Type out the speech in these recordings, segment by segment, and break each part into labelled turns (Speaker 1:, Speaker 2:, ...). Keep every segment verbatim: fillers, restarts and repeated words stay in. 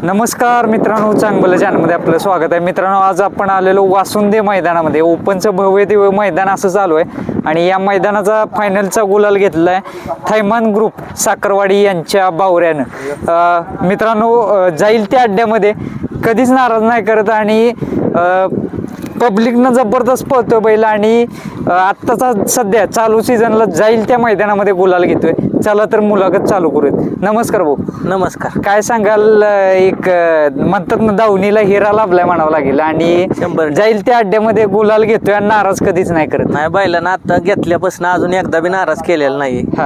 Speaker 1: नमस्कार मित्रांनो, चांगलं चॅनलमध्ये आपलं स्वागत आहे. मित्रांनो, आज आपण आलेलो वासुंदे मैदानामध्ये. ओपनचं भव्य दिव्य मैदान असं चालू आहे आणि या मैदानाचा फायनलचा गुलाल घेतला आहे थैमान ग्रुप साखरवाडी यांच्या बावऱ्यानं. अं, मित्रांनो, अं, जाईल त्या अड्ड्यामध्ये कधीच नाराज नाही करत आणि पब्लिकनं जबरदस्त पळतोय बैल आणि आत्ताचा सध्या चालू सीझनला जाईल त्या मैदानामध्ये गुलाल घेतोय. चला तर मुलाखत चालू करूयात. नमस्कार भाऊ.
Speaker 2: नमस्कार.
Speaker 1: काय सांगाल, एक म्हणतात ना दावणीला हिरा लाभलाय म्हणावं लागेल आणि
Speaker 2: शंभर
Speaker 1: जाईल त्या अड्ड्यामध्ये गुलाल घेतोय आणि नाराज कधीच नाही करत.
Speaker 2: नाही, बैलांना आता घेतल्यापासून अजून एकदा बी नाराज केलेला नाही.
Speaker 1: हा,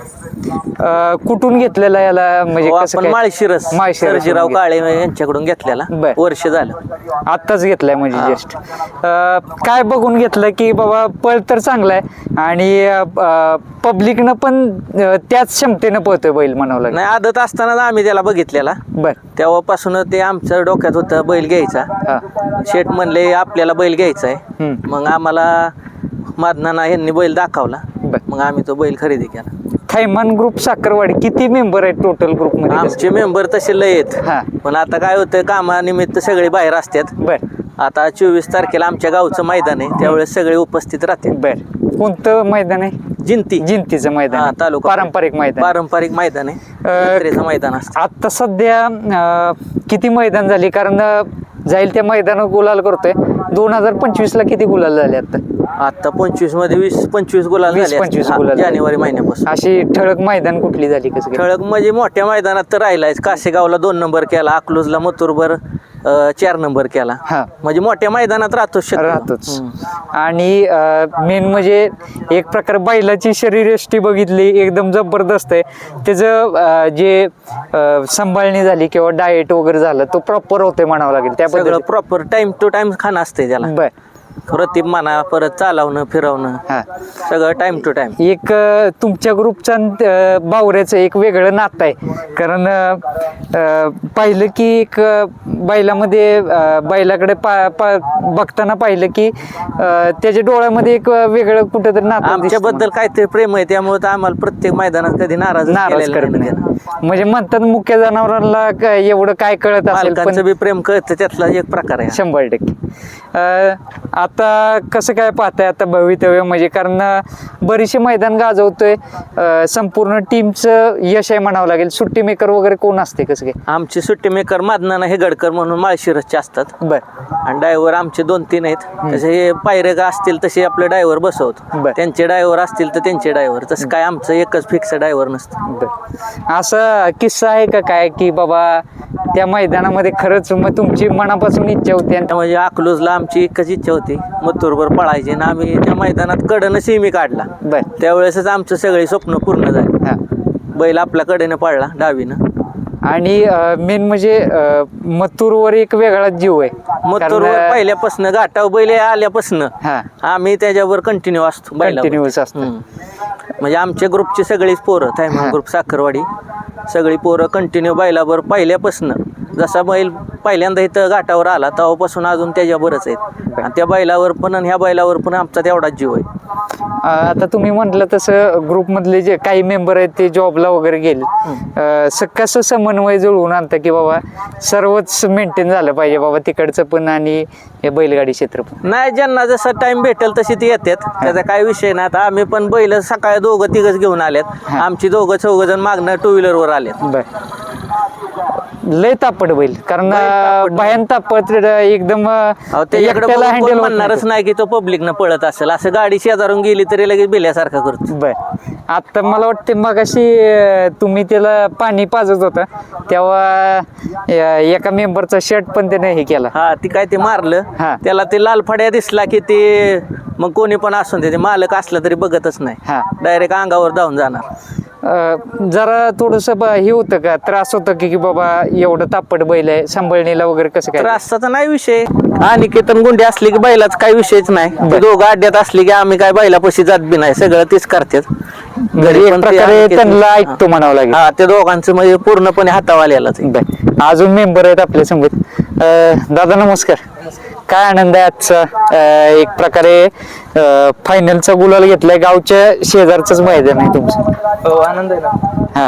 Speaker 1: अं, कुठून घेतलेला याला म्हणजे कसं
Speaker 2: आपण
Speaker 1: काय?
Speaker 2: माळशिरस
Speaker 1: माळशिरस
Speaker 2: सर्जीराव काळे यांच्याकडून घेतलेला.
Speaker 1: बर.
Speaker 2: वर्ष झालं
Speaker 1: आत्ताच घेतलाय म्हणजे जस्ट. काय बघून घेतलं की बाबा पळ तर चांगला आहे आणि पब्लिकनं पण अं, त्याच क्षमतेनं पळतोय बैल म्हणावं लागेल.
Speaker 2: नाही, आदत असतानाच आम्ही त्याला बघितलेला.
Speaker 1: बर.
Speaker 2: तेव्हापासून ते आमच्या डोक्यात होतं बैल घ्यायचा.
Speaker 1: हा.
Speaker 2: शेठ म्हणले आपल्याला बैल घ्यायचा आहे.
Speaker 1: हम्म.
Speaker 2: मग आम्हाला मादनाना यांनी बैल दाखवला.
Speaker 1: बर.
Speaker 2: मग आम्ही तो बैल खरेदी केला.
Speaker 1: थैमान ग्रुप साखरवाडी किती मेंबर आहेत टोटल ग्रुप मध्ये?
Speaker 2: आमचे मेंबर तसे लय आहेत.
Speaker 1: हा.
Speaker 2: पण आता काय होतं, कामानिमित्त सगळे बाहेर असतात.
Speaker 1: बर
Speaker 2: आता चोवीस तारखेला आमच्या गावचं मैदान आहे, त्यावेळेस सगळे उपस्थित राहतील.
Speaker 1: बर. कोणतं मैदान आहे?
Speaker 2: जिंती
Speaker 1: जिंतीचं
Speaker 2: हा,
Speaker 1: मैदान आहे.
Speaker 2: तालुका
Speaker 1: पारंपरिक मैदान.
Speaker 2: पारंपरिक मैदान आहे. जत्रेचं मैदान असतं.
Speaker 1: आता सध्या अं, किती मैदान झाली? कारण अं, जाईल त्या मैदानावर गुलाल करतोय. दोन हजार पंचवीस ला किती गुलाल झाले आता?
Speaker 2: आता पंचवीस मध्ये वीस पंचवीस गुलाल
Speaker 1: वीस
Speaker 2: झाले
Speaker 1: पंचवीस
Speaker 2: असतील.
Speaker 1: गुलाल
Speaker 2: हा,
Speaker 1: झाले.
Speaker 2: जानेवारी महिन्यापासून.
Speaker 1: अशी ठळक मैदान कुठली झाली? कसं काय?
Speaker 2: ठळक म्हणजे मोठ्या मैदानात तर राहिलाय. कासेगावला दोन नंबर केला, अकलूजला मथुरभर अं, चार नंबर केला.
Speaker 1: हा.
Speaker 2: म्हणजे मोठ्या मैदानात राहतोच शक्यतो.
Speaker 1: राहतोच. आणि मेन म्हणजे एक प्रकार बैलाची शरीरयष्टी बघितली एकदम जबरदस्त आहे. त्याचं अं, जे अं, सांभाळणी झाली किंवा डाएट वगैरे झालं तो प्रॉपर होते म्हणावं लागेल. त्या
Speaker 2: सगळं प्रॉपर टाइम टू टाइम खाणं असते त्याला.
Speaker 1: बर.
Speaker 2: रतीब म्हणा, परत चालवणं फिरवणं,
Speaker 1: हा.
Speaker 2: सगळं टाइम टू टाइम.
Speaker 1: एक अ, तुमच्या ग्रुपचा अ, बावऱ्याचं एक वेगळं नातं आहे. कारण अ, अ, पाहिलं की एक अ, बैलामध्ये अ, बैलाकडे पा पा बघताना पाहिलं की अ, त्याच्या डोळ्यामध्ये एक वेगळं कुठेतरी नातं
Speaker 2: आमच्याबद्दल काहीतरी प्रेम आहे, त्यामुळे तर आम्हाला प्रत्येक मैदानात कधी नाराज
Speaker 1: नाराज करत नाही. म्हणजे म्हणतात मुख्य जनावरांना क- एवढं काय कळत असेल पण
Speaker 2: मालकांचं बी प्रेम कळतं, त्यातला एक प्रकार आहे.
Speaker 1: शंभर टक्के. अ, आता कसं काय पाहताय आता भवितव्य? म्हणजे कारण अ, बरीचशी मैदान गाजवतोय, अ, संपूर्ण टीमचं यश आहे म्हणावं लागेल. सुट्टी मेकर वगैरे कोण असते? कसं काय?
Speaker 2: आमचे सुट्टी मेकर मादनाना हेगडकर म्हणून माळशिरसचे असतात.
Speaker 1: बर.
Speaker 2: आणि ड्रायव्हर आमचे दोन तीन आहेत. तसे हे पायरे का असतील तसे आपले ड्रायव्हर बसवतो.
Speaker 1: बर.
Speaker 2: त्यांचे ड्रायव्हर असतील तर त्यांचे ड्रायव्हर. तसं काय आमचं एकच फिक्स ड्रायव्हर नसतं.
Speaker 1: बर. असा किस्सा आहे का काय की बाबा त्या मैदानामध्ये खरंच मग तुमची मनापासून इच्छा होती आणि
Speaker 2: म्हणजे अकलूजला आमची एकच इच्छा होती, मथुरभर पळायची, आणि आम्ही त्या मैदानात कडनं सिमी काढला.
Speaker 1: बर.
Speaker 2: त्यावेळेसच आमचं सगळे स्वप्न पूर्ण झाले.
Speaker 1: हा.
Speaker 2: बैल आपल्या कडेनं पळला डावीनं.
Speaker 1: आणि मेन म्हणजे अ, मथुरवर एक वेगळा जीव आहे.
Speaker 2: मथुरवर
Speaker 1: कारण,
Speaker 2: पहिल्यापासून घाटाव बैल आल्यापासून
Speaker 1: हा,
Speaker 2: आम्ही त्याच्यावर कंटिन्यू असतो बैलावर.
Speaker 1: कंटिन्यूस असतं.
Speaker 2: हम्म. म्हणजे आमच्या ग्रुपची सगळीच पोरं
Speaker 1: हा.
Speaker 2: थायमान ग्रुप साखरवाडी सगळी पोरं कंटिन्यू बैलावर पहिल्यापासून. जसा बैल पहिल्यांदा इथं घाटावर आला तेव्हापासून अजून त्याच्यावरच आहेत. आणि त्या बैलावर पण आणि ह्या बैलावर पण आमचा तेवढाच जीव आहे.
Speaker 1: अ, आता तुम्ही म्हटलं तसं ग्रुपमधले जे काही मेंबर आहेत ते जॉबला वगैरे गेले, अ, स- कसं समन्वय जुळवून आणतं की बाबा सर्वच मेंटेन झालं पाहिजे बाबा, तिकडचं पण आणि हे बैलगाडी क्षेत्र पण?
Speaker 2: नाही, ज्यांना जसा टाइम भेटेल तशी ती येतात, त्याचा काही विषय नाही. आता आम्ही पण बैल सकाळी दोघं तिघच घेऊन आल्यात.
Speaker 1: हा.
Speaker 2: आमची दोघं चौघ जण मागणं टू व्हीलरवर आलेत.
Speaker 1: बर. लय तापट बैल, कारण
Speaker 2: लय तापट.
Speaker 1: भयान तापट एकदम अ,
Speaker 2: अहो, त्याच्याकडे
Speaker 1: एकट्याला
Speaker 2: बघून
Speaker 1: हँडल
Speaker 2: कोण
Speaker 1: होत
Speaker 2: म्हणणारच नाही की तो पब्लिकनं पळत असेल. असं गाडी शेजारून गेली तरी लगेच बिल्यासारखा करतो.
Speaker 1: बर. आता मला वाटते मग अशी तुम्ही त्याला पाणी पाजत होता तेव्हा अ, एका मेंबरचा शर्ट पण त्याने हे केला.
Speaker 2: हा, ती काय ते मारलं,
Speaker 1: हा.
Speaker 2: त्याला ते लाल फड्या दिसला की ते मग कोणी पण असून दे, ते मालक असला तरी बघतच नाही,
Speaker 1: हा.
Speaker 2: डायरेक्ट अंगावर धावून जाणार.
Speaker 1: अ, जरा थोडस हे होतं का, त्रास होतं की की बाबा एवढं तापट बैल आहे, सांभाळणीला वगैरे कसं काय?
Speaker 2: त्रासाचा नाही विषय. आणि केतन गुंडी असली की बैलाच काही विषयच नाही. ते दोघं अड्ड्यात असली की आम्ही काय बैलापाशी जात बी नाही, सगळं तीच करतात.
Speaker 1: घरी एक प्रकारे त्यांना ऐकतो म्हणावं लागेल.
Speaker 2: हा, ते दोघांचं म्हणजे पूर्णपणे हातावाल्यालाच.
Speaker 1: बर. अजून मेंबर आहेत आपल्या समोर. अ, दादा नमस्कार. काय आनंद आहे आजचा अं, एक प्रकारे फायनलचा गुलाल घेतलाय गावच्या शेजारचंच मैदान आहे तुमचं.
Speaker 3: हो आनंद आहे ना.
Speaker 1: हा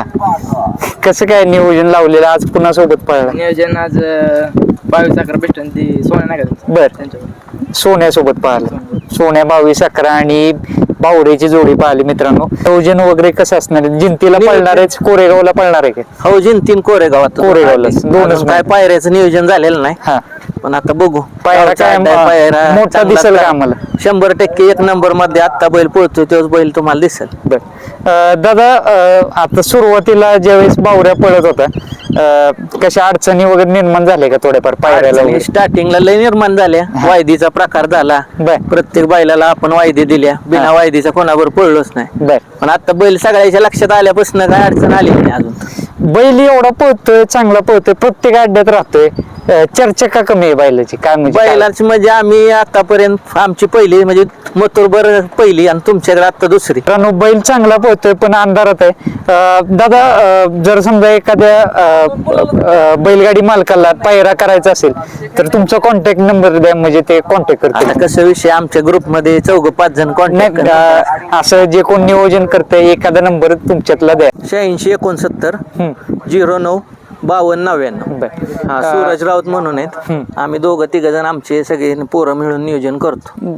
Speaker 1: कसं काय नियोजन लावलेलं आज पुन्हा सोबत पळला?
Speaker 3: नियोजन आज अं, बावीस अकरा भेटून ती सोन्या नाही का
Speaker 1: बर
Speaker 3: त्यांच्यावर.
Speaker 1: सोन्यासोबत पाहिलं. सोन्या बावीस अकरा आणि बावरेची जोडी पाहिली मित्रांनो. नियोजन वगैरे कसं असणार आहे? जिंतीला पळणार आहे कोरेगावला पळणार आहे का?
Speaker 2: हो जिंतीन कोरेगावात
Speaker 1: कोरेगावलाच. दोनच
Speaker 2: अजून काय पायऱ्याचं नियोजन झालेलं नाही,
Speaker 1: हा
Speaker 2: पण आता बघू.
Speaker 1: पायरा
Speaker 2: गावचा
Speaker 1: काय
Speaker 2: अड्डा आहे, पायरा
Speaker 1: मोठा
Speaker 2: चांगला
Speaker 1: दिसेल का
Speaker 2: तर
Speaker 1: आम्हाला?
Speaker 2: शंभर टक्के एक नंबर मध्ये आता बैल पोहोचतो तोच बैल तुम्हाला दिसेल.
Speaker 1: बर अं, दादा अं, आता सुरुवातीला ज्यावेळेस बावऱ्या पळत होता अं, कशा अडचणी वगैरे निर्माण झाल्या का थोड्याफार पायऱ्याला वगैरे?
Speaker 2: स्टार्टिंगला लय निर्माण झाल्या, वायदीचा प्रकार झाला.
Speaker 1: बर
Speaker 2: प्रत्येक बैलाला आपण वायदी दिल्या, बिना वायदीचा कोणावर पळलोच नाही.
Speaker 1: बर
Speaker 2: पण आता बैल सगळ्याच्या लक्षात आल्यापासून काय अडचण आली नाही अजून.
Speaker 1: बैल एवढा पळतोय, चांगला पळतोय, प्रत्येक अड्ड्यात राहतोय, अं, चर्चा का कमी आहे बैलाची? काय म्हणजे काय?
Speaker 2: बैलाच म्हणजे आम्ही आतापर्यंत आमची पहिली म्हणजे मथुरभर पहिली आणि तुमच्याकडे आता दुसरी.
Speaker 1: मित्रांनो बैल चांगला पळतोय पण अंधारात आहे. अं, दादा अं, जर समजा एखाद्या अं, अं, बैलगाडी मालकाला पायरा करायचा असेल तर तुमचा कॉन्टॅक्ट नंबर द्या, म्हणजे ते कॉन्टॅक्ट करतील.
Speaker 2: आता कसं विषय आमच्या ग्रुपमध्ये चौघ पाच जण कॉन्टॅक्ट
Speaker 1: नाही, अं, असं जे कोण नियोजन करतंय एखादा नंबर तुमच्यातला द्या.
Speaker 2: शहाऐंशी एकोणसत्तर झिरो नऊ बावन्न नव्याण्णव.
Speaker 1: बर
Speaker 2: हा सूरज राऊत म्हणून आहेत. आम्ही दोघं तिघ जण आमचे सगळे पोरं मिळून नियोजन करतो.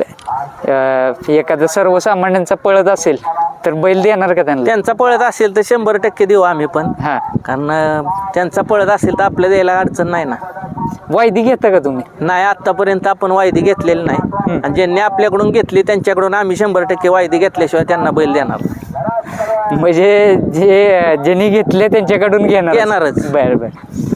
Speaker 1: अं, एखादा सर्वसामान्यांचा पळत असेल तर बैल देणार का त्यांना?
Speaker 2: त्यांचा पळत असेल तर शंभर टक्के देऊ आम्ही पण,
Speaker 1: हा
Speaker 2: कारण अं, त्यांचा पळत असेल तर आपल्या द्यायला अडचण नाही ना.
Speaker 1: वायदी घेता का तुम्ही?
Speaker 2: नाही आतापर्यंत आपण वायदी घेतलेली नाही, आणि ज्यांनी आपल्याकडून घेतली त्यांच्याकडून आम्ही शंभर टक्के वायदी घेतल्याशिवाय त्यांना बैल देणार नाही.
Speaker 1: म्हणजे जे ज्यांनी घेतले त्यांच्याकडून घेणार?
Speaker 2: घेणारच.
Speaker 1: बर बर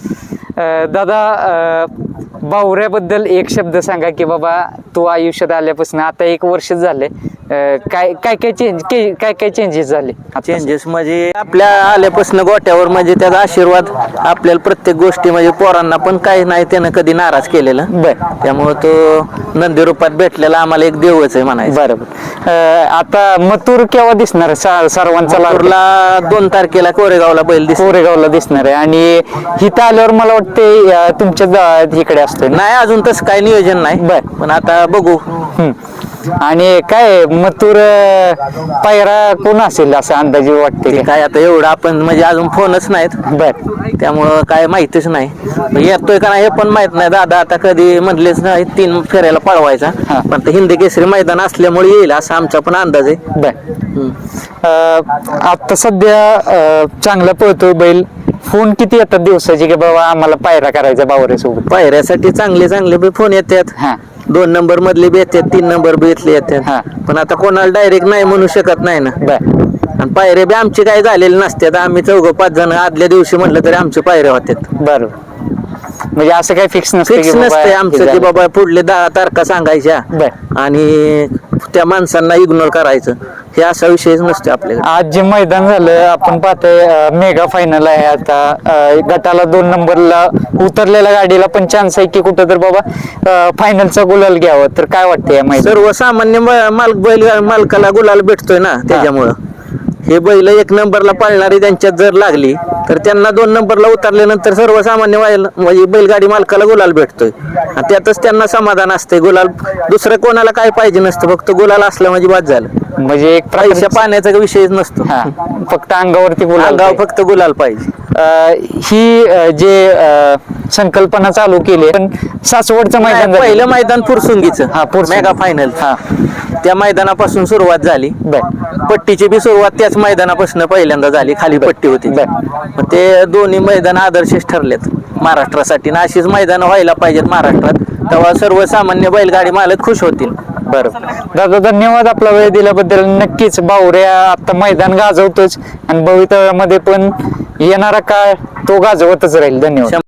Speaker 1: अं, दादा अं, बावऱ्याबद्दल एक शब्द सांगा की बाबा तू आयुष्यात आल्यापासून आता एक वर्ष झाले, अं, काय काय काय चेंज काय काय चेंजेस झाले?
Speaker 2: चेंजेस म्हणजे आपल्या आल्यापासून गोट्यावर म्हणजे त्याचा आशीर्वाद आपल्याला प्रत्येक गोष्टी म्हणजे पोरांना पण काही नाही त्यानं कधी नाराज केलेलं.
Speaker 1: बर
Speaker 2: त्यामुळे तो नंदी रूपात भेटलेला आम्हाला एक देवच आहे म्हणायचं.
Speaker 1: बरोबर. अं, आता मथुर केव्हा दिसणार? सा- सर्वांचा लाडका.
Speaker 2: मथुरला दोन तारखेला कोरेगावला बैल दिसतो.
Speaker 1: कोरेगावला दिसणार आहे आणि इथं आल्यावर मला वाटते अं, तुमच्या दा- इकडे असतोय ना?
Speaker 2: नाही अजून तसं काही नियोजन नाही,
Speaker 1: बर.
Speaker 2: पण आता बघू.
Speaker 1: हम्म. आणि काय मथुर अं, पायरा कोण असेल असं अंदाजे वाटते
Speaker 2: ते
Speaker 1: का?
Speaker 2: काय आता एवढं आपण म्हणजे अजून फोनच नाहीत,
Speaker 1: बर
Speaker 2: त्यामुळं काय माहितीच नाही. येतोय का नाही हे पण माहित नाही. दादा आता कधी म्हटलेच नाही तीन फेऱ्याला पळवायचा,
Speaker 1: हा.
Speaker 2: पण ते हिंदी केसरी मैदान असल्यामुळे येईल असा आमचा पण अंदाज आहे.
Speaker 1: बर अं, आता सध्या अं, चांगला पळतोय बैल. फोन किती येतात दिवसाचे की बाबा आम्हाला पायरा करायचा बावऱ्यासोबत?
Speaker 2: पायऱ्यासाठी चांगले चांगले बी फोन येतात.
Speaker 1: हा
Speaker 2: दोन नंबर मधले बी येतात, तीन नंबर बी इथले
Speaker 1: हा.
Speaker 2: येतात, पण आता कोणाला डायरेक्ट नाही म्हणू शकत नाही ना.
Speaker 1: बर
Speaker 2: आणि पायऱ्या बी आमचे काही झालेले नसतात. आम्ही चौघ पाच जण आदल्या दिवशी म्हटलं तरी आमचे पायऱ्या होतात.
Speaker 1: बर म्हणजे असं काही फिक्स नसतं
Speaker 2: फिक्स
Speaker 1: की बाबा
Speaker 2: नसते
Speaker 1: हे
Speaker 2: आमचं की
Speaker 1: झालं.
Speaker 2: बाबा पुढले दहा तारखा सांगायच्या
Speaker 1: बर
Speaker 2: आणि त्या माणसांना इग्नोर करायचं, हे असा विषयच नसतो आपल्याकडे.
Speaker 1: आज जे मैदान झालं आपण पाहतोय अं, मेगा फायनल आहे आता. अं, गटाला दोन नंबरला उतरलेल्या गाडीला पण चान्स आहे की कुठं तर बाबा अं, फायनलचा गुलाल घ्यावं. तर काय वाटतं या मैदान?
Speaker 2: सर्वसामान्य म- मालक बैल मालकाला गुलाल भेटतोय ना, त्याच्यामुळं हे बैल एक नंबरला पाळणारी त्यांच्यात जर लागली तर त्यांना दोन नंबरला उतरल्यानंतर सर्वसामान्य बैल- म्हणजे बैलगाडी मालकाला गुलाल भेटतोय, आणि त्यातच त्यांना समाधान असते. गुलाल दुसरं कोणाला काय पाहिजे नसतं, फक्त गुलाल असलं म्हणजे बाद झालं.
Speaker 1: म्हणजे एक
Speaker 2: पैशा
Speaker 1: प्रकारचं-
Speaker 2: पाण्याचा विषयच नसतो.
Speaker 1: हा फक्त अंगावरती गुलाल
Speaker 2: अंगावर
Speaker 1: पाहिजे.
Speaker 2: फक्त गुलाल पाहिजे.
Speaker 1: अं, ही अं, जे अं, संकल्पना चालू केली पण सासवडचं मैदान झालं.
Speaker 2: पहिलं मैदान फुरसुंगीचं
Speaker 1: हा, फुरसुंगी.
Speaker 2: मेगा फायनल,
Speaker 1: हा
Speaker 2: त्या मैदानापासून सुरुवात झाली.
Speaker 1: बर
Speaker 2: पट्टीची बी सुरुवात त्याच मैदानापासून पहिल्यांदा झाली. खाली पट्टी होती,
Speaker 1: बर.
Speaker 2: मग ते दोन्ही मैदान आदर्शच ठरलेत महाराष्ट्रासाठी, ना अशीच मैदान व्हायला पाहिजेत महाराष्ट्रात. तेव्हा सर्वसामान्य बैलगाडी मालक खुश होतील.
Speaker 1: बरोबर. दादा धन्यवाद आपला वेळ दिल्याबद्दल. नक्कीच बावऱ्या आता मैदान गाजवतोच आणि भवितव्यामध्ये पण येणारा काळ तो गाजवतच राहील. धन्यवाद.